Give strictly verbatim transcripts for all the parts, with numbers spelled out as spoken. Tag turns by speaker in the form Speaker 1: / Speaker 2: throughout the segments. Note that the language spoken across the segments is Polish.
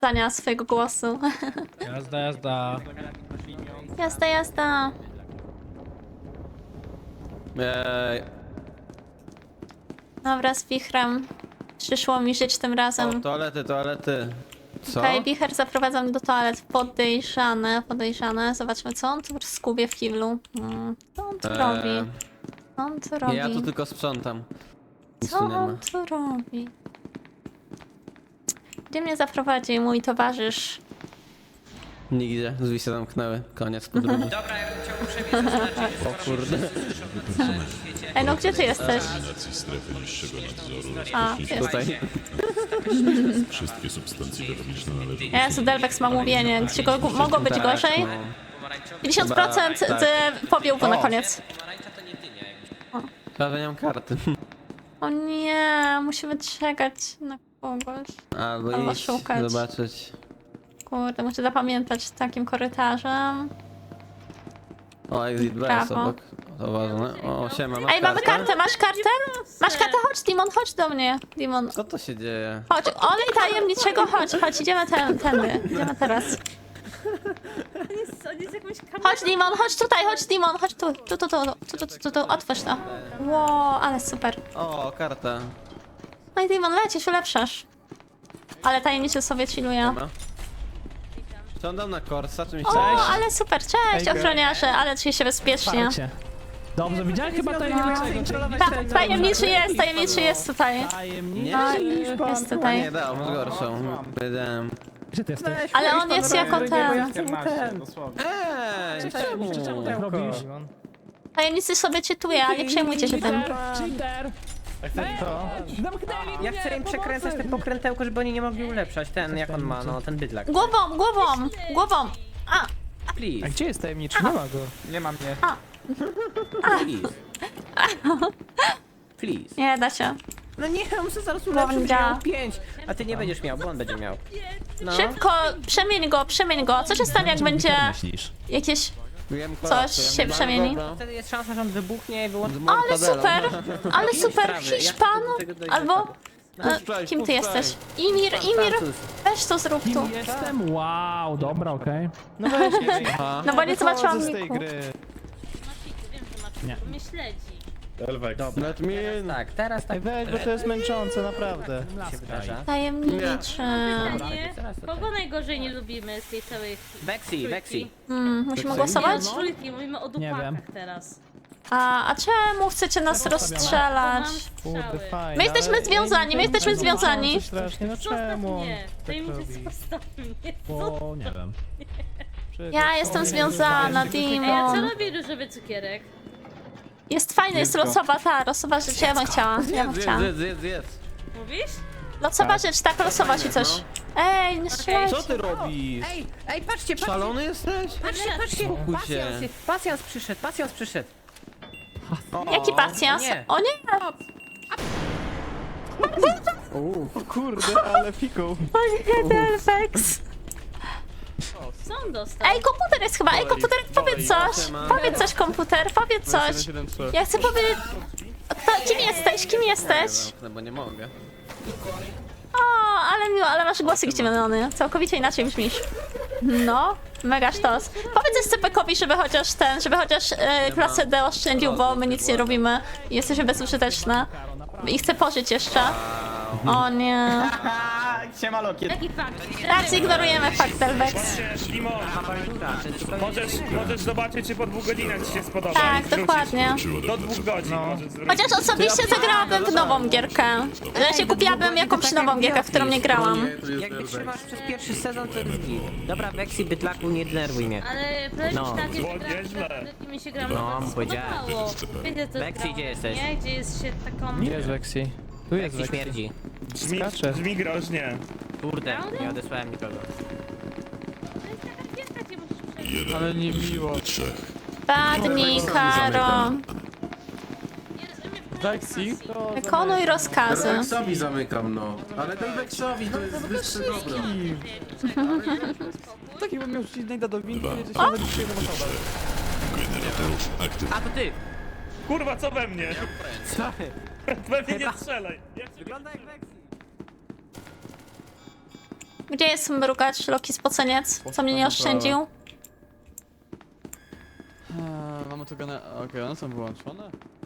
Speaker 1: zdania swojego głosu.
Speaker 2: Jazda, jazda.
Speaker 1: Jazda, jazda.
Speaker 3: Eee,
Speaker 1: Dobra, z wichrem. Przyszło mi żyć tym
Speaker 3: o,
Speaker 1: razem.
Speaker 3: toalety, toalety. Co?
Speaker 1: Okej, okay, wicher zaprowadza mnie do toalet. Podejrzane, podejrzane. Zobaczmy, co on tu skubie w kiblu. Hmm. Co on tu
Speaker 3: Eee,
Speaker 1: robi? Co on tu robi?
Speaker 3: Ja tu tylko sprzątam. Nic
Speaker 1: Co
Speaker 3: tu nie ma.
Speaker 1: on tu robi? Gdzie mnie zaprowadzi mój towarzysz?
Speaker 3: Nigdzie, drzwi się zamknęły. Koniec podróży.
Speaker 4: Dobra, ja bym chciał uprzejmie zaznaczyć, że
Speaker 3: O kurde.
Speaker 1: Ej, no gdzie ty jesteś?
Speaker 5: Eliminacji strefy niższego nadzoru
Speaker 1: A,
Speaker 5: rozpocznie
Speaker 1: jest.
Speaker 3: Tutaj.
Speaker 5: wszystkie substancje biologiczne należą do
Speaker 1: Jezu, Delvex ma mówienie. Czy go, mogło być
Speaker 3: Tak,
Speaker 1: gorzej?
Speaker 3: no.
Speaker 4: pomarańczowy
Speaker 1: pięćdziesiąt procent
Speaker 3: Dobra, tak.
Speaker 1: powiółku na koniec.
Speaker 4: pomarańcza to nie dynia. jakbyś-
Speaker 3: Prawie nie mam karty.
Speaker 1: O nie, musimy czekać na kogoś.
Speaker 3: Albo
Speaker 1: Albo
Speaker 3: iść,
Speaker 1: szukać.
Speaker 3: zobaczyć.
Speaker 1: Kurde, muszę zapamiętać takim korytarzem.
Speaker 3: O, exit B jest
Speaker 1: Prawo.
Speaker 3: obok. To ważne. O, siema, masz
Speaker 1: Ej, mamy
Speaker 3: kartę?
Speaker 1: kartę, masz kartę? Masz kartę, chodź, Dimon, chodź do mnie. Dimon,
Speaker 3: Co to się dzieje?
Speaker 1: chodź, olej tajemniczego, chodź, chodź, idziemy ten, tędy, idziemy teraz.
Speaker 6: On jest jakąś kamerą.
Speaker 1: Chodź, Dimon, chodź tutaj, chodź, Dimon, chodź tu, tu, tu, tu, tu, tu, tu, tu, tu, otwórz to. Wow, ale super.
Speaker 3: O, karta.
Speaker 1: No i Dimon, lecisz, ulepszasz. Ale tajemniczy sobie chilluje.
Speaker 3: Siema. Siądam na Korsa, czy mi
Speaker 1: O,
Speaker 3: chciałeś?
Speaker 1: ale super, cześć ochroniarze, ale czuję się bezpiecznie.
Speaker 2: Parcie. Dobrze, widziałem chyba tajemniczego.
Speaker 1: Ta, tajemniczy jest, tajemniczy jest tutaj.
Speaker 2: Tajemniczy.
Speaker 1: No, jest tutaj.
Speaker 3: Nie, dał, masz gorszą. Wiedziałem.
Speaker 2: Gdzie ty jesteś?
Speaker 1: Ale on jest jako ten.
Speaker 3: Eee, czemu?
Speaker 2: Jak robisz?
Speaker 1: Tajemnicy sobie czytuje, ale nie przejmujcie się tym.
Speaker 2: Cheater! Co? Zamknęli
Speaker 4: Ja chcę im przekręcać te pokrętełko, żeby oni nie mogli ulepszać. Ten, jak on ma, no ten bydlak.
Speaker 1: Głową, głową, głową. A,
Speaker 2: A
Speaker 4: Please,
Speaker 2: gdzie jest tajemniczy? Nie ma go.
Speaker 4: nie ma mnie.
Speaker 1: A.
Speaker 4: Please. Please.
Speaker 1: nie da się.
Speaker 4: No nie, on muszę zaraz
Speaker 1: Dobra.
Speaker 4: ulepszyć, będzie miał pięć. A ty nie będziesz miał, bo on będzie miał. No.
Speaker 1: Szybko, przemień go, przemień go. Co się stanie, jak będzie jakieś
Speaker 3: Wiem,
Speaker 1: coś
Speaker 3: kolację.
Speaker 1: się
Speaker 3: Mam
Speaker 1: przemieni?
Speaker 3: go,
Speaker 4: Wtedy jest szansa, że on wybuchnie i wyłączy.
Speaker 3: no.
Speaker 1: Ale super, ale super,
Speaker 4: sprawy, jak
Speaker 1: Hiszpan,
Speaker 4: do tego dojdzie?
Speaker 1: albo... E,
Speaker 3: Puszczaj,
Speaker 1: kim ty
Speaker 3: puszczaj.
Speaker 1: jesteś? Imir, Imir,
Speaker 4: Francuz.
Speaker 1: weź to zrób tu.
Speaker 2: Kim jestem? Wow, dobra, okej.
Speaker 4: No weź,
Speaker 3: Aha.
Speaker 1: No bo nie zobaczyłam
Speaker 2: z tej
Speaker 1: niku.
Speaker 2: gry.
Speaker 6: Wiem, że masz
Speaker 2: Nie.
Speaker 6: mnie śledzi.
Speaker 3: Let me in.
Speaker 4: tak, teraz tak
Speaker 7: Ej, weź, bo to jest męczące, naprawdę.
Speaker 4: się wydarza.
Speaker 1: Tajemniczy.
Speaker 6: Nie?
Speaker 4: teraz to
Speaker 6: Kogo najgorzej nie lubimy z tej całej
Speaker 4: Vexi, Vexi.
Speaker 1: Hmm, musimy
Speaker 6: Nie,
Speaker 1: głosować?
Speaker 6: no, trójki, mówimy o
Speaker 2: Nie wiem.
Speaker 6: dupakach teraz.
Speaker 1: A, a czemu chcecie nas
Speaker 6: Bo
Speaker 1: rozstrzelać?
Speaker 6: mam
Speaker 7: Kurde,
Speaker 6: strzały.
Speaker 7: fajnie.
Speaker 1: My jesteśmy
Speaker 7: ale-
Speaker 1: związani, my jesteśmy związani.
Speaker 7: Coś strasznie, no
Speaker 6: Zostaw
Speaker 7: czemu?
Speaker 6: mnie.
Speaker 7: tak
Speaker 6: Tajemniczy,
Speaker 7: robi?
Speaker 6: zostaw mnie.
Speaker 2: Bo nie wiem.
Speaker 7: Przecież
Speaker 1: Ja
Speaker 7: to
Speaker 1: jestem
Speaker 7: jest-
Speaker 1: związana,
Speaker 6: A ja co
Speaker 1: Dimon.
Speaker 6: robię różowy cukierek?
Speaker 1: Jest fajny, jest losowa ta, losowa rzecz, ja bym chciała, ja bym
Speaker 3: Zjedz,
Speaker 1: chciała.
Speaker 3: zjedz, zjedz, zjedz.
Speaker 6: Mówisz?
Speaker 1: Losowa rzecz, tak, losowa ci coś. Ej, nie strzelajcie.
Speaker 3: Co ty robisz?
Speaker 4: Ej, ej, patrzcie, patrzcie.
Speaker 3: Szalony jesteś?
Speaker 4: Patrzcie, patrzcie.
Speaker 3: Spokój się.
Speaker 4: Pasjans, jest- pasjans przyszedł, pasjans przyszedł.
Speaker 1: Jaki pacjans?
Speaker 4: nie.
Speaker 1: O nie!
Speaker 7: O kurde, ale fiką.
Speaker 1: O nie, Delvex.
Speaker 6: Co on dostał?
Speaker 1: Ej, komputer jest chyba, ej, komputer, powiedz coś. Powiedz coś, komputer, powiedz coś. Ja chcę powiedzieć... Kto, kim jesteś, kim jesteś?
Speaker 3: No, bo nie mogę.
Speaker 1: O, ale miło, ale masz głosik zdziwiony. Całkowicie inaczej brzmisz. No, mega sztos. Powiedz S C P-kowi, żeby chociaż ten, żeby chociaż e, klasę D oszczędził, bo my nic nie robimy. Jesteśmy bezużyteczne. I chcę pożyć jeszcze. O nie.
Speaker 4: Siema Lokiet.
Speaker 6: Jaki fakt?
Speaker 1: Raczej ignorujemy fakt Delvex.
Speaker 8: Dimon, możesz, możesz zobaczyć, czy po dwóch godzinach ci się spodoba.
Speaker 1: Tak,
Speaker 8: i wrzucić.
Speaker 1: dokładnie.
Speaker 8: Do dwóch godzin możesz zwrócić.
Speaker 1: Chociaż osobiście zagrałabym w nową gierkę. Ja się kupiłabym jakąś nową gierkę, w którą nie grałam.
Speaker 4: Jak wytrzymasz przez pierwszy sezon, to jest git. Dobra, Vexi, bydlaku, nie denerwuj mnie.
Speaker 6: Ale powiem
Speaker 4: No.
Speaker 6: ci tak,
Speaker 8: Było
Speaker 6: jak
Speaker 8: nieźle.
Speaker 6: mi się gra,
Speaker 4: No,
Speaker 6: no,
Speaker 4: powiedziałem.
Speaker 6: spodobało. Wiecie, co
Speaker 4: Lexi,
Speaker 6: grało,
Speaker 4: gdzie jesteś?
Speaker 6: Nie, gdzie jest się taką...
Speaker 7: Gdzie jest Lexi? Tu jest
Speaker 4: Vexi
Speaker 7: Lexi.
Speaker 4: śmierdzi.
Speaker 8: Brzmi,
Speaker 7: skacze.
Speaker 8: brzmi groźnie.
Speaker 4: Kurde, nie odesłałem nikogo.
Speaker 6: To jest taka gierka, gdzie musisz przejść.
Speaker 5: jeden
Speaker 7: Ale nie miło.
Speaker 5: do trzech.
Speaker 1: Padnij, Karo.
Speaker 6: Nie rozumiem, w
Speaker 7: Lexi?
Speaker 1: Wykonuj rozkazy.
Speaker 9: Delvexowi zamykam, no. Ale Delvexowi to jest wyższe dobro.
Speaker 7: Taki bym miał rzucić najda do winki, jedzie się
Speaker 1: O!
Speaker 7: na dzisiaj na osobę.
Speaker 5: Generatorów aktywnych.
Speaker 4: A to ty!
Speaker 8: Kurwa, co we mnie?
Speaker 1: Gdzie jest mrugacz, Loki spoceniec? Co mnie nie oszczędził?
Speaker 7: Eee, mamy tu gane... Okej, one są wyłączone.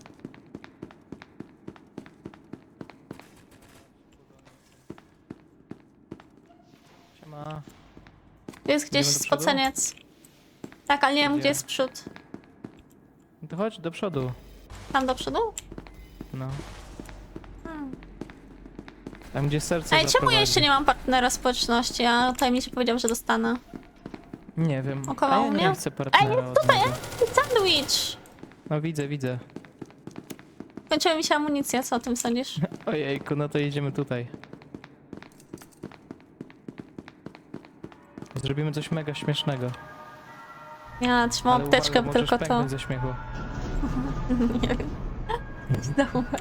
Speaker 2: Siema.
Speaker 1: Tu jest gdzieś
Speaker 2: Idziemy do przodu?
Speaker 1: spoceniec. Tak, ale nie wiem,
Speaker 2: Gdzie?
Speaker 1: gdzie jest przód.
Speaker 2: No to chodź do przodu.
Speaker 1: Tam do przodu?
Speaker 2: No.
Speaker 1: Hmm.
Speaker 2: Tam gdzie serce
Speaker 1: Ej, czemu ja
Speaker 2: zaprowadzi.
Speaker 1: jeszcze nie mam partnera społeczności? A tajemniczy powiedział, że dostanę.
Speaker 2: Nie wiem.
Speaker 1: Około
Speaker 2: A ja
Speaker 1: mnie?
Speaker 2: nie chcę partnera.
Speaker 1: Ej,
Speaker 2: od
Speaker 1: tutaj,
Speaker 2: niego.
Speaker 1: ej, sandwich!
Speaker 2: No widzę, widzę.
Speaker 1: Kończyła mi się amunicja, co o tym sądzisz?
Speaker 2: Ojejku, no to idziemy tutaj. Zrobimy coś mega śmiesznego.
Speaker 1: Ja trzymam
Speaker 2: Ale
Speaker 1: apteczkę,
Speaker 2: uwaga,
Speaker 1: tylko
Speaker 2: możesz
Speaker 1: to.
Speaker 2: pęknąć ze śmiechu.
Speaker 1: Nie wiem. Zdołać.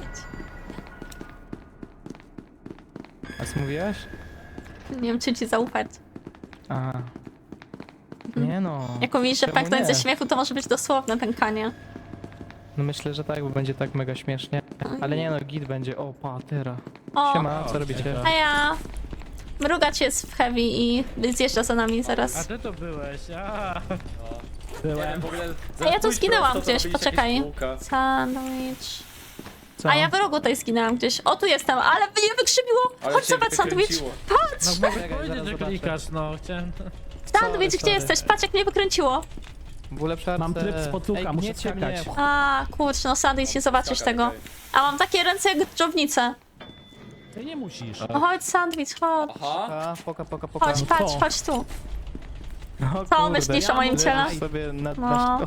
Speaker 2: A co mówiłaś?
Speaker 1: Nie wiem, czy ci zaufać.
Speaker 2: A. Nie no.
Speaker 1: Jak mówisz, że
Speaker 2: Czemu
Speaker 1: pęknąć
Speaker 2: nie?
Speaker 1: ze śmiechu, to może być dosłowne pękanie.
Speaker 2: No myślę, że tak, bo będzie tak mega śmiesznie. Ale nie no, git będzie. O, patera.
Speaker 1: O,
Speaker 2: Siema, co robicie?
Speaker 1: a ja... Mrugacz jest w heavy i zjeżdża za nami
Speaker 8: A
Speaker 1: zaraz.
Speaker 8: ty to byłeś, a.
Speaker 2: Byłem.
Speaker 1: A ja tu zginęłam gdzieś, poczekaj. Sandwich.
Speaker 2: Co?
Speaker 1: A ja w rogu tutaj zginęłam gdzieś. O, tu jestem, ale mnie wykrzywiło! Chodź zobacz, sandwich! Patrz!
Speaker 8: No mogę
Speaker 2: Czekaj,
Speaker 8: powiedzieć,
Speaker 2: zaraz
Speaker 8: że
Speaker 2: zobaczę.
Speaker 8: klikasz, no chciałem...
Speaker 1: Sandwich, gdzie
Speaker 2: sorry.
Speaker 1: jesteś? Patrz, jak mnie wykręciło.
Speaker 2: W ulepszarce...
Speaker 10: Mam tryb spotłuka,
Speaker 2: Ej,
Speaker 10: muszę
Speaker 2: gniecie
Speaker 10: skakać.
Speaker 2: mnie.
Speaker 1: A, kurczę, no sandwich, nie zobaczysz tego. A mam takie ręce jak dżownice.
Speaker 10: Ty nie musisz.
Speaker 1: No chodź, sandwich, chodź.
Speaker 2: A, poka, poka, poka.
Speaker 1: Chodź,
Speaker 10: no
Speaker 1: patrz,
Speaker 10: co?
Speaker 1: chodź tu.
Speaker 2: O,
Speaker 1: Co
Speaker 2: kurde,
Speaker 1: myślisz o moim
Speaker 2: leżysz
Speaker 1: ciele?
Speaker 2: sobie na,
Speaker 1: No.
Speaker 2: na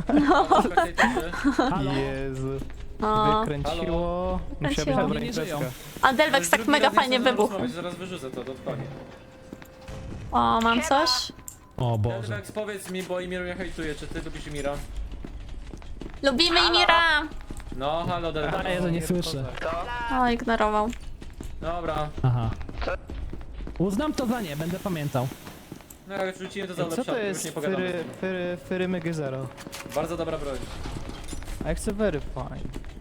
Speaker 10: Halo?
Speaker 2: Jezu.
Speaker 1: No.
Speaker 2: Wykręciło. Musiała być
Speaker 1: Kręciło.
Speaker 2: dobra
Speaker 10: Nie żyją.
Speaker 2: imprezka.
Speaker 1: A Delvex tak mega fajnie wybuchł.
Speaker 11: Zaraz wyrzucę to, to koniec.
Speaker 1: O, mam coś.
Speaker 10: O Boże.
Speaker 11: Delvex, powiedz mi, bo Imir mnie hejtuje, czy ty lubisz Imira?
Speaker 1: Lubimy Imira.
Speaker 11: No, halo Delvex.
Speaker 10: A Jezu, nie słyszę.
Speaker 1: O, ignorował.
Speaker 11: Dobra,
Speaker 10: Aha. Uznam to za nie, będę pamiętał.
Speaker 11: no jak wrzucimy to za
Speaker 2: Co to
Speaker 11: lepszą, już
Speaker 2: jest
Speaker 11: nie pogadamy.
Speaker 2: Fyry, fyry, fyry Mygy Zero?
Speaker 11: Bardzo dobra broń.
Speaker 2: A ja chcę very fine.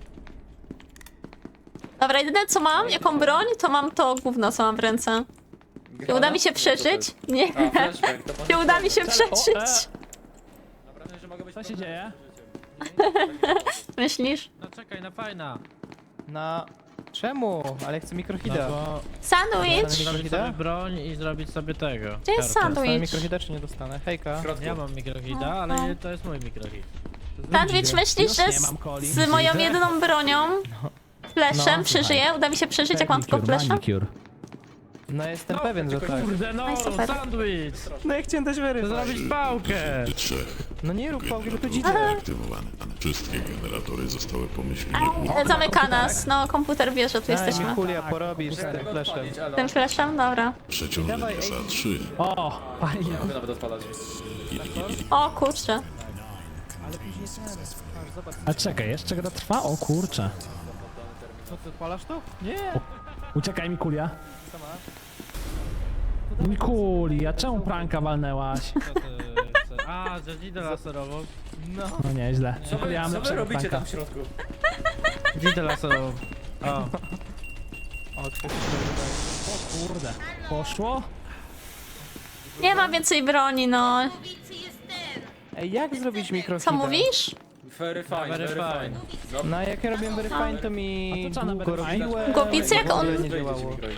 Speaker 1: Dobra, jedyne co mam, jaką broń, to mam to gówno, co mam w ręce. Czy uda mi się przeżyć? Nie.
Speaker 11: A, flashback, to
Speaker 1: Czy uda mi się
Speaker 10: O,
Speaker 1: przeżyć?
Speaker 11: Naprawdę, że mogę być
Speaker 10: Co się dzieje?
Speaker 1: Myślisz?
Speaker 8: No czekaj, na fajna.
Speaker 2: Na... Czemu? Ale ja chcę
Speaker 8: No
Speaker 2: mikrohida.
Speaker 8: bo
Speaker 1: Sandwich!
Speaker 2: Dostanę
Speaker 8: zrobić
Speaker 2: mikrohida?
Speaker 8: sobie broń i zrobić sobie tego.
Speaker 1: Gdzie jest
Speaker 8: kartę.
Speaker 2: Dostanę
Speaker 1: sandwich?
Speaker 2: mikrohida czy nie dostanę? Hejka.
Speaker 11: w środku.
Speaker 8: Ja mam mikrohida, ale to jest mój mikrohid.
Speaker 1: Sandwich, myślisz,
Speaker 10: Już
Speaker 1: że
Speaker 10: nie
Speaker 1: z,
Speaker 10: mam coli.
Speaker 1: z moją jedyną bronią, fleszem,
Speaker 2: No,
Speaker 1: przeżyję? Uda mi się przeżyć, jak mam tylko
Speaker 10: Manicure,
Speaker 1: flesza?
Speaker 10: manicure.
Speaker 2: No jestem pewien, że tak.
Speaker 8: Kurde no,
Speaker 1: Oj, super.
Speaker 8: sandwich!
Speaker 2: No ja chciałem dać very
Speaker 8: To
Speaker 2: fine.
Speaker 8: zrobić pałkę!
Speaker 5: Trzech.
Speaker 2: No nie rób pałki, bo tu dzidzie.
Speaker 5: Aktywowany. Wszystkie generatory zostały pomyślnie
Speaker 1: E, Zamyka nas, no komputer wie, że tu
Speaker 2: Daj
Speaker 1: jesteśmy.
Speaker 2: mi kulia, porobisz z tym fleszem.
Speaker 11: Odpalić, alo.
Speaker 1: Tym fleszem? Dobra.
Speaker 5: przeciągle
Speaker 2: Dawaj,
Speaker 5: S A trzy.
Speaker 10: O, fajnie.
Speaker 11: Mogę nawet odpalać.
Speaker 1: O kurczę.
Speaker 10: A czekaj, jeszcze gra trwa? O kurczę.
Speaker 2: Co ty odpalasz to? Nie.
Speaker 10: Uciekaj mi kulia. Mi kulia, czemu pranka walnęłaś?
Speaker 8: Co ty chcesz? A, że dzidę laserową.
Speaker 2: No.
Speaker 10: No nieźle.
Speaker 11: Co wy,
Speaker 10: Kulia,
Speaker 11: co wy
Speaker 10: lepszego
Speaker 11: robicie
Speaker 10: pranka.
Speaker 11: tam w środku?
Speaker 8: Dzidę laserową. O.
Speaker 2: O, ktoś
Speaker 10: O kurde. Poszło?
Speaker 1: Nie ma więcej broni, no.
Speaker 2: Ej, jak zrobić mikrohida?
Speaker 1: Co mówisz?
Speaker 11: Very fine,
Speaker 8: Very
Speaker 11: very
Speaker 8: fine.
Speaker 11: fine. No,
Speaker 2: No jak ja robiłem very fine, to mi
Speaker 10: A to co na
Speaker 2: długo
Speaker 10: very fine?
Speaker 2: robiłem.
Speaker 1: Głowicy, jak
Speaker 2: w ogóle
Speaker 1: on-
Speaker 2: nie działało.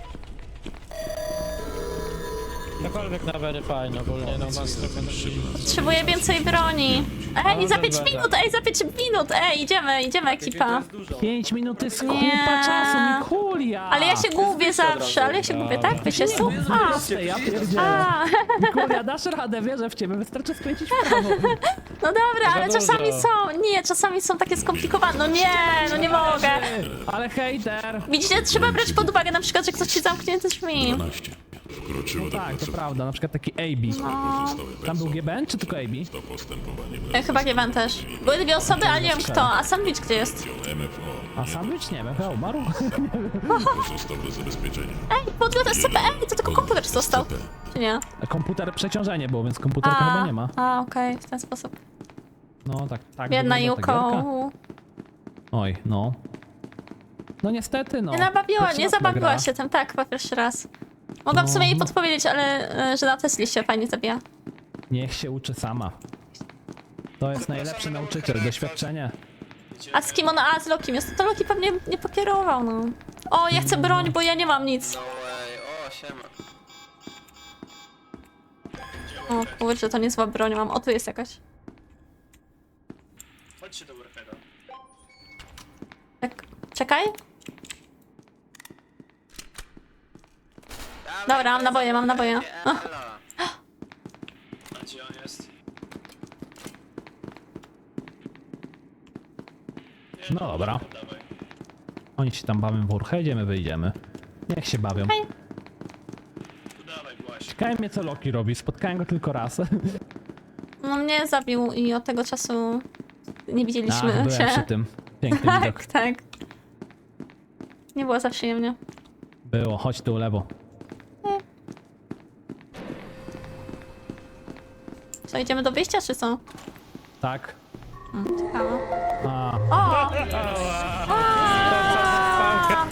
Speaker 8: Cokolwiek na very fine ogólnie, no masz trochę...
Speaker 1: Potrzebuję więcej broni. Ej, za pięć minut, ej, za pięć minut, ej, idziemy, idziemy ekipa.
Speaker 10: Pięć minut to jest
Speaker 1: Nie.
Speaker 10: kupa czasu, mi kulia!
Speaker 1: Ale ja się gubię zawsze, ale ja się gubię, tak? Wiecie, tu? A,
Speaker 10: Ja pierdzielę.
Speaker 1: a.
Speaker 10: Mikulia, dasz radę, wierzę w ciebie, wystarczy skręcić w prawo.
Speaker 1: No dobra, ale
Speaker 8: Za
Speaker 1: czasami
Speaker 8: dużo.
Speaker 1: są, nie, czasami są takie skomplikowane, no nie, no nie mogę.
Speaker 10: Ale hejter!
Speaker 1: Widzicie, trzeba brać pod uwagę na przykład, że ktoś ci zamknie drzwi.
Speaker 5: dwanaście. Wkroczyło do
Speaker 10: Tak, to
Speaker 5: pracy.
Speaker 10: prawda, na przykład taki A B.
Speaker 5: Pozostałe
Speaker 10: Tam był
Speaker 5: personel
Speaker 10: G B N czy tylko A B?
Speaker 5: to postępowanie
Speaker 1: Ja chyba nie wiem też. Były dwie osoby, ale nie wiem kto, a sandwich gdzie jest?
Speaker 5: M F O
Speaker 10: A sandwich nie wiem, chyba umarł?
Speaker 5: pozostał do zabezpieczenia.
Speaker 1: Ej, podmiot S C P, ej, to tylko komputer został. Czy nie?
Speaker 10: Komputer, przeciążenie było, więc komputerka chyba nie ma.
Speaker 1: a okej, w ten sposób.
Speaker 10: No tak, tak.
Speaker 1: Biedna
Speaker 10: wygląda ta
Speaker 1: Juko.
Speaker 10: gierka. Oj, no. No niestety, no.
Speaker 1: Nie nabawiła,
Speaker 10: Pierwszy
Speaker 1: nie
Speaker 10: raz gra.
Speaker 1: zabawiła się tym, tak, chyba pierwszy raz. Mogłam w sumie jej podpowiedzieć, ale e, że na Tesli się fajnie zabija.
Speaker 10: Niech się uczy sama. To jest najlepszy nauczyciel, doświadczenie.
Speaker 1: A z kim ona? A, z Lokim jest. To Loki pewnie nie pokierował, no. O, ja chcę broń, bo ja nie mam nic.
Speaker 3: O, siema.
Speaker 1: O kurczę, to niezła broń mam. O, tu jest jakaś.
Speaker 8: Chodźcie do Warheada.
Speaker 1: Tak, czekaj. Dobra, mam naboje, mam naboje. O,
Speaker 8: A gdzie on jest?
Speaker 10: No dobra. Oni się tam bawią w Warheadzie, my wyjdziemy. Niech się bawią.
Speaker 1: Hej.
Speaker 8: Dawaj właśnie.
Speaker 10: Ciekawe mnie co Loki robi, spotkałem go tylko raz.
Speaker 1: no mnie zabił i od tego czasu nie widzieliśmy
Speaker 10: Ach, byłem
Speaker 1: się.
Speaker 10: przy tym. Piękny widok.
Speaker 1: Tak, tak. Nie było za przyjemnie.
Speaker 10: Było, chodź tu lewo.
Speaker 1: Co, idziemy do wyjścia, czy co?
Speaker 10: Tak.
Speaker 1: Hmm, ciekawe.
Speaker 10: A,
Speaker 1: O! A!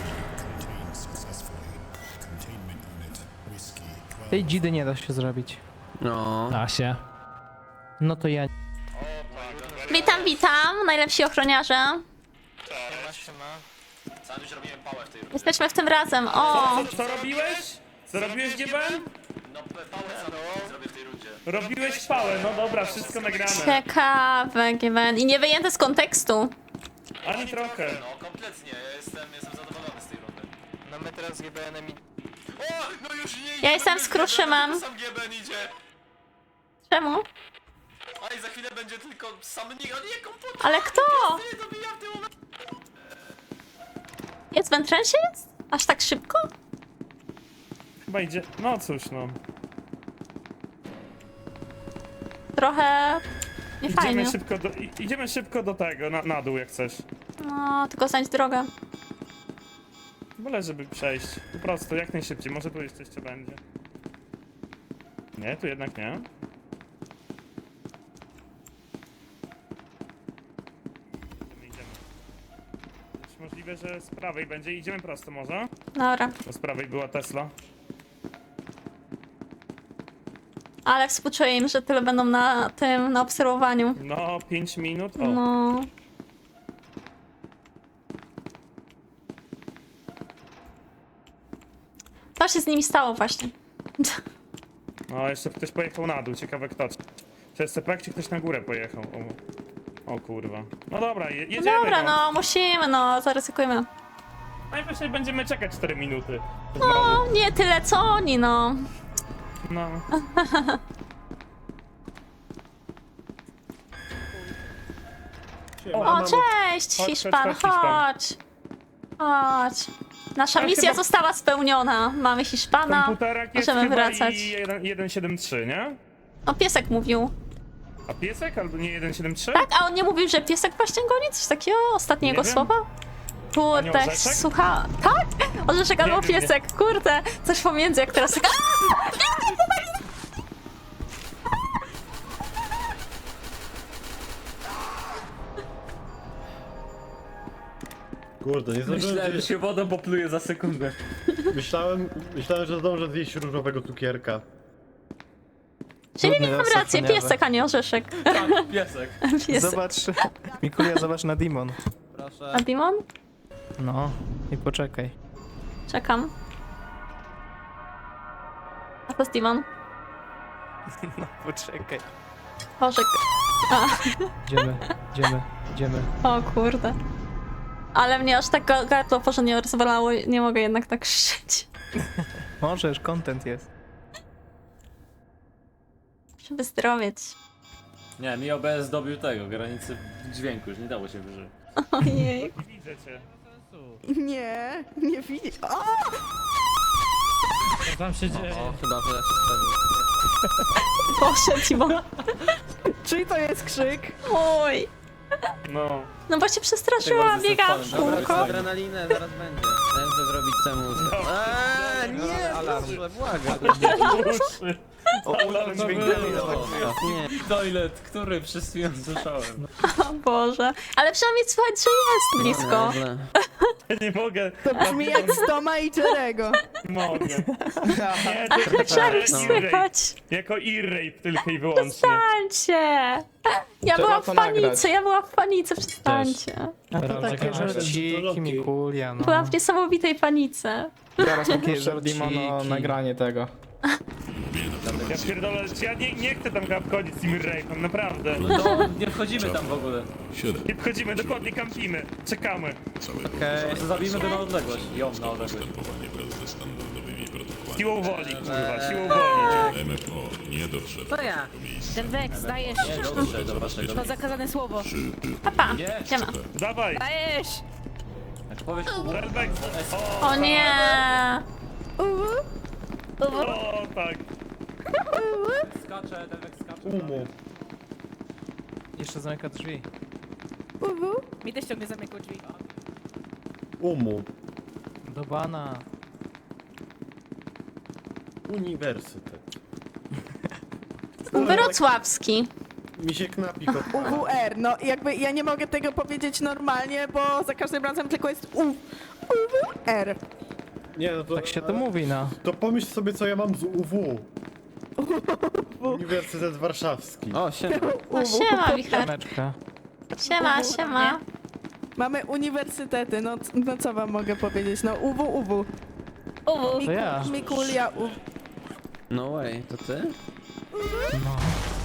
Speaker 2: Tej dzidy nie da się zrobić.
Speaker 3: No.
Speaker 10: da się.
Speaker 2: No to ja...
Speaker 1: Witam, witam, najlepsi ochroniarze.
Speaker 8: Sam już robiłem pałę w tej rundzie.
Speaker 1: Jesteśmy w tym razem, o!
Speaker 8: Co, co robiłeś? Co robiłeś, G B N? No pałę sam zrobię w tej rundzie. Robiłeś pałę, no dobra, wszystko nagrane.
Speaker 1: Ciekawe, G B N. I nie wyjęte z kontekstu.
Speaker 8: Ani trochę.
Speaker 11: No kompletnie, ja jestem, jestem zadowolony z tej rundy.
Speaker 7: No my teraz z G B N-em i...
Speaker 11: O, no już nie
Speaker 1: Ja jestem z Kruszymem.
Speaker 11: Sam G B N idzie.
Speaker 1: Czemu?
Speaker 11: A i za chwilę będzie tylko sam nick, a nie komputer.
Speaker 1: Ale kto?
Speaker 11: Nie dobija w tym momencie.
Speaker 1: Jest w entrensie jest? Aż tak szybko?
Speaker 8: Chyba idzie, no cóż no.
Speaker 1: Trochę... nie fajnie.
Speaker 8: Idziemy szybko do, i- idziemy szybko do tego, na, na dół jak chcesz.
Speaker 1: No, tylko znajdź drogę.
Speaker 8: Wolę, żeby przejść. Po prostu, jak najszybciej. Może tu jeszcze jeszcze będzie. Nie, tu jednak nie. Idziemy, idziemy. Jest możliwe, że z prawej będzie. Idziemy prosto może?
Speaker 1: Dobra.
Speaker 8: Bo z prawej była Tesla.
Speaker 1: Ale współczuję im, że tyle będą na tym, na obserwowaniu.
Speaker 8: No, pięć minut. O,
Speaker 1: No. Co się z nimi stało właśnie?
Speaker 8: no jeszcze ktoś pojechał na dół. Ciekawe kto. Czy S C P, czy ktoś na górę pojechał? O, o kurwa. No dobra, je,
Speaker 1: No
Speaker 8: jedziemy.
Speaker 1: dobra, no musimy, no zaryzykujmy.
Speaker 8: Najwyżej będziemy czekać cztery minuty.
Speaker 1: No, nie tyle co oni, no.
Speaker 8: No.
Speaker 1: O, cześć,
Speaker 8: Chodź,
Speaker 1: Hiszpan,
Speaker 8: chodź, chodź, Hiszpan.
Speaker 1: chodź. Chodź. Nasza
Speaker 8: Ale
Speaker 1: misja
Speaker 8: chyba-
Speaker 1: została spełniona. Mamy Hiszpana,
Speaker 8: Komputerak jest
Speaker 1: możemy
Speaker 8: chyba
Speaker 1: wracać.
Speaker 8: i jeden siedem trzy, nie?
Speaker 1: O, piesek mówił.
Speaker 8: A piesek albo nie jeden siedem trzy?
Speaker 1: Tak, a on nie mówił, że piesek właśnie goni? Coś takiego? Ostatnie
Speaker 8: Nie
Speaker 1: jego
Speaker 8: wiem.
Speaker 1: słowa? Kurde,
Speaker 8: A nie orzeszek?
Speaker 1: słucha... Tak? Orzeszek albo
Speaker 8: wiem, nie.
Speaker 1: piesek, kurde. Coś pomiędzy, jak teraz... tak-
Speaker 9: Kurde, nie zdążyłem
Speaker 11: Myślałem, że
Speaker 9: zjeść.
Speaker 11: się wodą popluje za sekundę.
Speaker 9: Myślałem, myślałem, że zdążę zjeść różowego cukierka.
Speaker 1: Czyli
Speaker 2: Trudny
Speaker 1: miałem
Speaker 2: los
Speaker 1: rację,
Speaker 2: ochroniarza.
Speaker 1: piesek, a nie orzeszek.
Speaker 11: Tak, piesek.
Speaker 1: Piesek.
Speaker 2: Zobacz, Mikulia, zobacz na Dimon.
Speaker 7: Proszę.
Speaker 1: A Dimon?
Speaker 2: No, i poczekaj.
Speaker 1: Czekam. A to jest Dimon.
Speaker 2: No, poczekaj.
Speaker 1: Orzek. A,
Speaker 2: Idziemy, idziemy, idziemy.
Speaker 1: o kurde. Ale mnie aż tak ga- gardło porządnie rozwalało, nie mogę jednak tak krzyczeć.
Speaker 2: Możesz, content jest.
Speaker 1: Muszę wyzdrowieć.
Speaker 11: Nie, mi O B S dobił tego, granicy dźwięku, już nie dało się wyżyć.
Speaker 1: Ojej.
Speaker 8: Widzę cię.
Speaker 4: Nie, nie widzę.
Speaker 10: Co tam się dzieje?
Speaker 3: O, chyba że ja się sprawił.
Speaker 1: Boże, Dimon.
Speaker 4: Czyli to jest krzyk?
Speaker 1: Oj.
Speaker 8: No.
Speaker 1: No bo się przestraszyłam,
Speaker 11: Tego
Speaker 1: biegałam w
Speaker 11: zespołem, dobra,
Speaker 1: kółko.
Speaker 3: Adrenalinę zaraz będzie. Ja muszę zrobić temu. Eee, nie,
Speaker 2: Alarm.
Speaker 3: proszę, błagam.
Speaker 8: Uszy. Alarm dźwiękowy.
Speaker 3: Nie.
Speaker 11: Toilet, który przez chwilę słyszałem.
Speaker 1: O Boże. Ale przynajmniej słychać, że jest blisko.
Speaker 3: Nieźle.
Speaker 8: Ja nie mogę.
Speaker 12: To brzmi jak z Toma i Jerego.
Speaker 8: Nie mogę. Nie, to jest
Speaker 1: Jak
Speaker 8: e-rape.
Speaker 1: słychać?
Speaker 8: Jako e-rape tylko i wyłącznie.
Speaker 1: Przestańcie! Ja
Speaker 7: Trzeba
Speaker 1: byłam w
Speaker 7: to
Speaker 1: panice,
Speaker 7: nagrać.
Speaker 1: ja byłam w panice, przestańcie.
Speaker 2: Żarciki, Mikulia,
Speaker 1: Byłam
Speaker 2: no.
Speaker 1: w niesamowitej panice.
Speaker 7: Zaraz takie Żardimono
Speaker 2: Żarciki.
Speaker 7: nagranie tego.
Speaker 8: Ja pierdolę, czy ja nie, nie chcę tam chyba wchodzić z tym rape'em, naprawdę.
Speaker 11: To nie wchodzimy tam w ogóle.
Speaker 5: siedem.
Speaker 8: Nie wchodzimy, dokładnie kampimy, czekamy.
Speaker 5: Całego
Speaker 3: Okej.
Speaker 11: Może zabijmy go na odległość. Ją na odległość.
Speaker 5: postępowanie wraz ze standardowymi protokołami.
Speaker 8: Siłą woli, kurwa, siłą woli.
Speaker 5: M F O nie doszedł
Speaker 4: To ja.
Speaker 5: do miejsca.
Speaker 6: Ten Vex, dajesz.
Speaker 11: Nie, dobrze, do waszego.
Speaker 6: To zakazane słowo.
Speaker 1: Papa,
Speaker 11: Nie.
Speaker 1: siema.
Speaker 8: Dawaj,
Speaker 6: Dajesz!
Speaker 11: Jak powiesz
Speaker 8: Delbex.
Speaker 1: O nie!
Speaker 8: O, tak.
Speaker 11: skacze, Delvex skacze.
Speaker 7: Umu.
Speaker 2: Jeszcze zamyka drzwi.
Speaker 6: Mi też ciągle zamykał drzwi.
Speaker 9: Umu.
Speaker 2: Do bana.
Speaker 9: Uniwersytet.
Speaker 1: Wrocławski.
Speaker 9: Mi się knapik od...
Speaker 12: U W R, no jakby ja nie mogę tego powiedzieć normalnie, bo za każdym razem tylko jest U. U W R.
Speaker 9: Nie, no to...
Speaker 2: Tak się to mówi, no.
Speaker 9: To pomyśl sobie, co ja mam z U W. Uniwersytet Warszawski.
Speaker 3: O, siema.
Speaker 1: No siema, Wicher.
Speaker 2: Siemeczka.
Speaker 1: Siema, siema.
Speaker 12: Mamy uniwersytety, no, c- no co wam mogę powiedzieć? No U W, U W.
Speaker 1: Uwu.
Speaker 2: To ja.
Speaker 12: Mikulia, U.
Speaker 3: No way, to ty?
Speaker 2: No.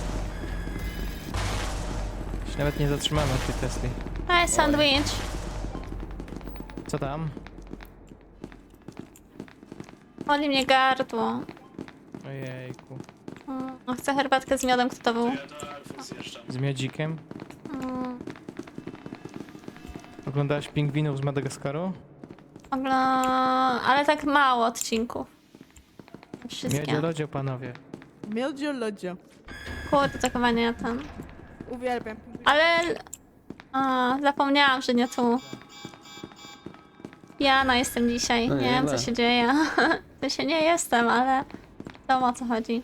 Speaker 2: Się nawet nie zatrzymamy w tej Tesli.
Speaker 1: Hej, sandwich.
Speaker 2: Co tam?
Speaker 1: Boli mnie gardło.
Speaker 2: Ojejku.
Speaker 1: Mm, Chcę herbatkę z miodem, kto to był?
Speaker 2: Z miodzikiem?
Speaker 1: Mm,
Speaker 2: Oglądałaś pingwinów z Madagaskaru?
Speaker 1: Ogla... Ale tak mało odcinków. Wszystkie.
Speaker 2: Miodzie lodzie, panowie.
Speaker 12: Miodzio lodzio.
Speaker 1: Kurde, to chyba nie ten.
Speaker 12: Uwielbiam.
Speaker 1: Ale... A, zapomniałam, że nie tu. Jana jestem dzisiaj.
Speaker 3: No
Speaker 1: Nie wiem, co
Speaker 3: nieźle.
Speaker 1: się dzieje. To się nie jestem, ale... Wiadomo, o co chodzi.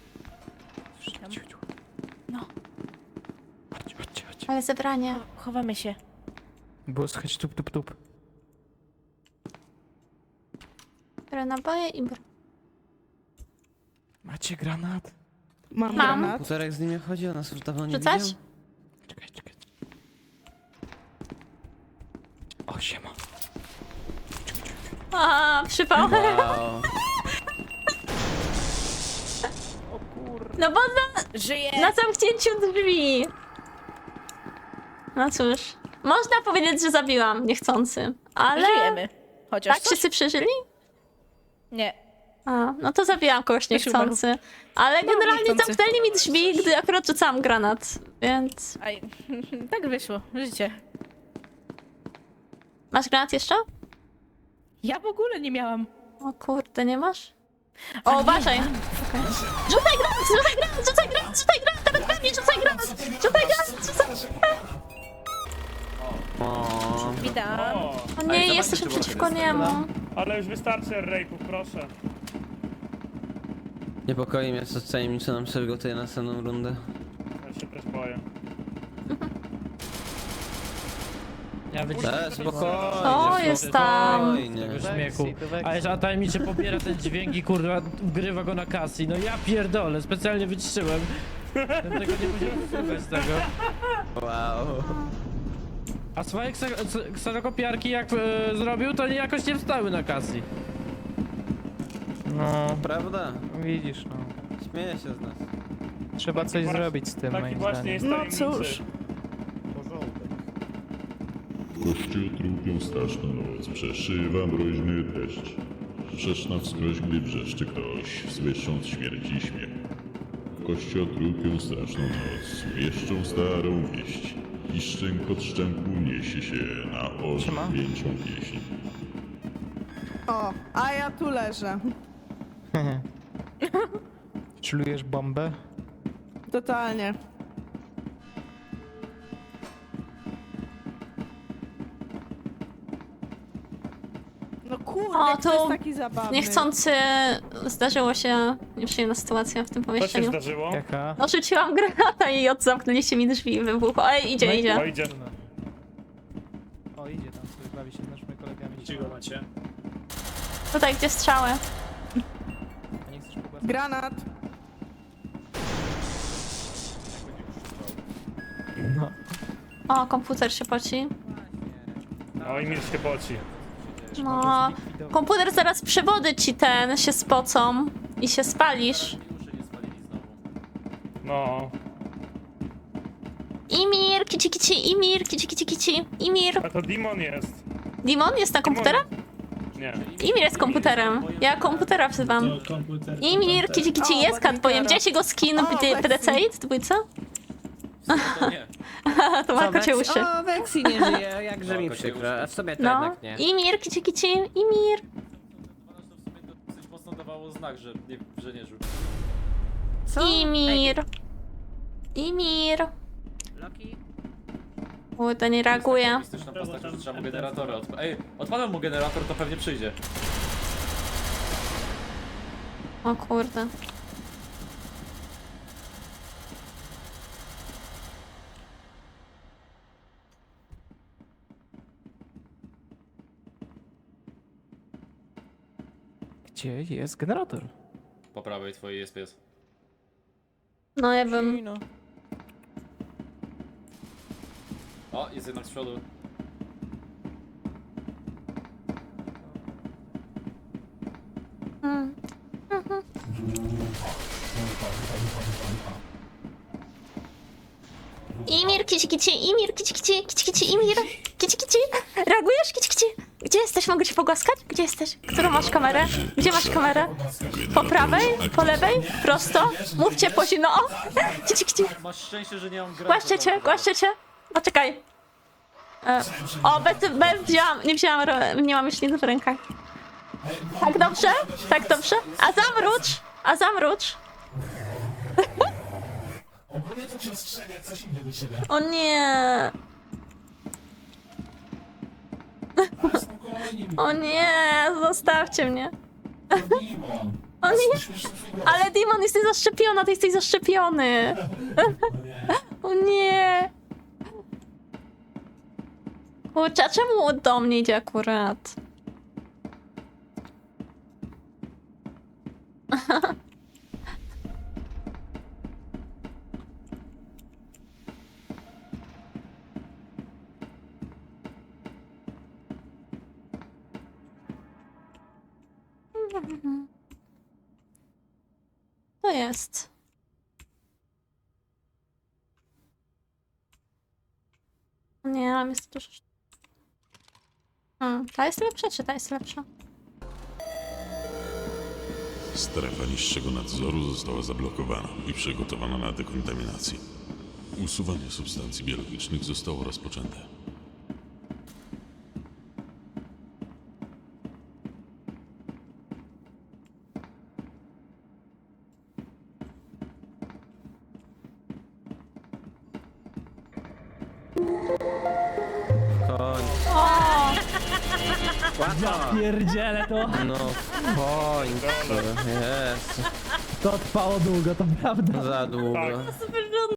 Speaker 1: No.
Speaker 2: Chodź, chodź, chodź.
Speaker 1: Ale zebranie.
Speaker 6: Chowamy się.
Speaker 2: Było słychać tup, tup, tup.
Speaker 1: Biorę naboje i... br-
Speaker 2: Macie granat?
Speaker 12: Mam,
Speaker 1: Mam.
Speaker 12: granat.
Speaker 3: Półtorek z nim chodzi, a nas już dawno nie
Speaker 1: Rzucać?
Speaker 3: widział.
Speaker 2: Czekaj, czekaj. O, siema.
Speaker 1: A, przypał.
Speaker 3: Wow.
Speaker 1: No bo na,
Speaker 6: Żyję!
Speaker 1: na zamknięciu drzwi. No cóż. Można powiedzieć, że zabiłam niechcący. Ale...
Speaker 6: Żyjemy. Chociaż
Speaker 1: Tak,
Speaker 6: coś?
Speaker 1: wszyscy przeżyli?
Speaker 6: Nie.
Speaker 1: A, no to zabijam kogoś
Speaker 6: Ktoś
Speaker 1: niechcący. Ale
Speaker 6: No,
Speaker 1: generalnie
Speaker 6: niechcący.
Speaker 1: zamknęli mi drzwi, gdy akurat rzucałam granat. Więc...
Speaker 6: Aj, tak wyszło. Życie.
Speaker 1: Masz granat jeszcze?
Speaker 6: Ja w ogóle nie miałam.
Speaker 1: O kurde, nie masz? O, uważaj! Rzucaj granat, rzucaj granat, rzucaj granat, rzucaj granat, nawet we mnie rzucaj granat! Rzucaj granat, rzucaj...
Speaker 3: O,
Speaker 6: Witam.
Speaker 8: O,
Speaker 1: O nie, jesteśmy przeciwko niemu.
Speaker 8: ale już wystarczy rape'ów, proszę.
Speaker 3: niepokoi mnie, co tajemniczo nam przygotuje następną rundę.
Speaker 8: Ja się też boję.
Speaker 2: Ja wyciągnę.
Speaker 3: E, spokojnie,
Speaker 1: O, jest tam.
Speaker 3: spokojnie.
Speaker 10: Śmiechu. Ale że tajemniczy pobiera ten dźwięk i kurwa wgrywa go na kasy. No ja pierdolę, specjalnie wyciszyłem. Bym tego nie musiał słuchać tego.
Speaker 3: Wow.
Speaker 10: A swoje kse- kserokopiarki jak e, zrobił, to nie jakoś nie wstały na kasy.
Speaker 2: No,
Speaker 3: Prawda?
Speaker 2: widzisz, no.
Speaker 3: Śmieję się z nas.
Speaker 2: Trzeba coś zrobić z tym,
Speaker 8: Taki
Speaker 2: moim
Speaker 8: właśnie
Speaker 2: zdaniem.
Speaker 8: jest
Speaker 12: No
Speaker 8: tajemniczy.
Speaker 12: cóż.
Speaker 5: Kościół trupią straszną noc, przeszywa mroźny deszcz. Wrzeszna wskroś, gdy wrzeszczy ktoś, słysząc śmierci śmiech. W kościół trupią straszną noc, wieszczą starą wieść. I szczęk od szczęku niesie się na ożywieńczą pieśń.
Speaker 12: O, a ja tu leżę.
Speaker 2: Czujesz bombę?
Speaker 12: Totalnie. No kurde,
Speaker 1: O,
Speaker 12: jak to
Speaker 1: to
Speaker 12: jest taki zabawny.
Speaker 1: Niechcący zdarzyło się nieprzyjemna sytuacja w tym
Speaker 8: Co się
Speaker 1: pomieszczeniu.
Speaker 8: zdarzyło?
Speaker 2: Jaka?
Speaker 1: No rzuciłam granata i od zamknęliście mi drzwi i wybuchło. Ej, idzie,
Speaker 2: No i-
Speaker 1: idzie.
Speaker 8: O, idzie.
Speaker 2: O, idzie tam sobie, bawi się z naszymi kolegami.
Speaker 11: Gdzie go macie?
Speaker 1: Tutaj, gdzie strzały.
Speaker 2: Nie chcesz pogłaskać?
Speaker 12: Granat.
Speaker 2: No.
Speaker 1: O, komputer się poci.
Speaker 8: O, i mir się poci.
Speaker 1: No, komputer zaraz przewody ci ten się spocą i się spalisz.
Speaker 11: Uszy nie spalili znowu.
Speaker 8: No.
Speaker 1: Imir, kici kici, Imir, kici kici kici, Imir.
Speaker 8: A to Demon jest.
Speaker 1: Demon jest na komputerem?
Speaker 8: Nie.
Speaker 1: Imir jest komputerem. Ja komputera wzywam.
Speaker 11: Komputer.
Speaker 1: Imir, kici kici,
Speaker 12: O,
Speaker 1: jest kat, powiem.
Speaker 12: Wagitera.
Speaker 1: Gdzieś jego skin
Speaker 12: O,
Speaker 1: w
Speaker 12: Lexi.
Speaker 1: P D C i w dwójce?
Speaker 11: To nie.
Speaker 1: To ma kocie uszy.
Speaker 4: O, Vexi nie żyje, jakże mi
Speaker 3: kocie
Speaker 4: przykro. A w sumie to
Speaker 1: No,
Speaker 4: jednak nie.
Speaker 1: Imir, kici kici, Imir.
Speaker 11: To w sumie to dosyć mocno dawało znak, że nie, że nie żył.
Speaker 4: Co?
Speaker 1: Imir. Imir.
Speaker 4: Loki?
Speaker 1: Kurde, nie reaguje.
Speaker 11: Mistyczna postać, że trzeba mu generatora odpalić. Ej, odpalam mu generator, to pewnie przyjdzie.
Speaker 1: O kurde.
Speaker 2: Gdzie jest generator?
Speaker 11: Po prawej twojej jest pies.
Speaker 1: No ja bym...
Speaker 2: No.
Speaker 11: O, jest jednak z przodu.
Speaker 1: Mm. Mhm. Imir, kici kici, Imir, kici kici, kici kici, Imir, kici kici. Reagujesz, kici kici? Gdzie jesteś? Mogę cię pogłaskać? Gdzie jesteś? Którą masz kamerę? Gdzie masz kamerę? Po prawej? Po lewej? Prosto? Mówcie po zimno. O! Kici kici.
Speaker 11: Masz szczęście, że nie mam grać.
Speaker 1: Głaszczę cię, głaszczę cię. Poczekaj. E, o, bez, bez wzięłam, nie wzięłam, ro- nie mam śliny w rękach. Tak dobrze? Tak dobrze? A zamrucz! A zamrucz! O nie! O nie, zostawcie mnie. O nie, ale Demon, jesteś zaszczepiona, ty jesteś zaszczepiony. O nie. Kurczę, a czemu do mnie idzie akurat? To jest. Nie, mam jest dużo. Hmm, ta jest lepsza, czy ta jest lepsza?
Speaker 5: Strefa niższego nadzoru została zablokowana i przygotowana na dekontaminację. Usuwanie substancji biologicznych zostało rozpoczęte.
Speaker 4: Koń.
Speaker 1: O!
Speaker 4: Łatwo.
Speaker 10: Pierdziele to.
Speaker 4: No, koń. Jest.
Speaker 10: To trwało długo, to prawda.
Speaker 4: Za długo.
Speaker 8: Tak.
Speaker 1: Super, że